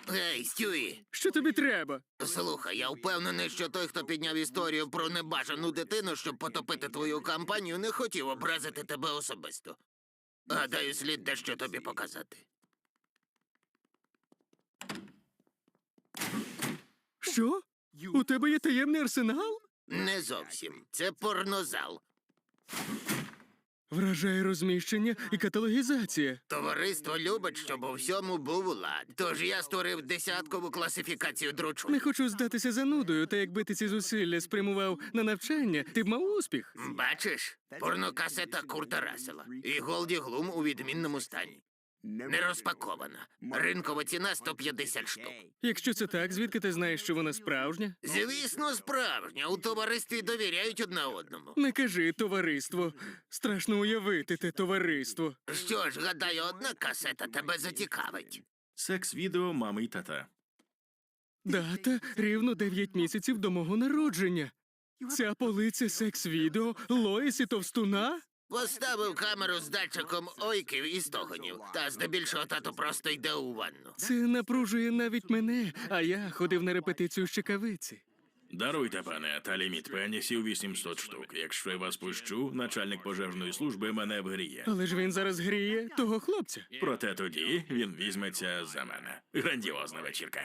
Ей, Стюї, Що тобі треба? слухай, я впевнений, що той, хто підняв історію про небажану дитину, щоб потопити твою кампанію, не хотів образити тебе особисто. Гадаю, слід дещо тобі показати. Що? У тебе є таємний арсенал? Не зовсім. Це порнозал. Вражає розміщення і каталогізація. Товариство любить, щоб у всьому був лад. Тож я створив десяткову класифікацію дручу. Не хочу здатися занудою, та якби ти ці зусилля спрямував на навчання, ти б мав успіх. Бачиш? Порнокасета Курта Рассела. І Голді Глум у відмінному стані. Не розпакована. Ринкова ціна 150 штук. Якщо це так, звідки ти знаєш, що вона справжня? Звісно, справжня. У товаристві довіряють одне одному. Не кажи товариство. Страшно уявити те товариство. Що ж, гадаю, одна касета тебе зацікавить. Секс-відео мами й тата. Дата рівно 9 місяців до мого народження. Ця полиця секс-відео Лоїсі Товстуна? Поставив камеру з датчиком ойків і стогонів. Та здебільшого тато просто йде у ванну. Це напружує навіть мене, а я ходив на репетицію з чекавиці. Даруйте, пане, та ліміт пенісів 800 штук. Якщо я вас пущу, начальник пожежної служби мене вгріє. Але ж він зараз гріє того хлопця. Проте тоді він візьметься за мене. Грандіозна вечірка.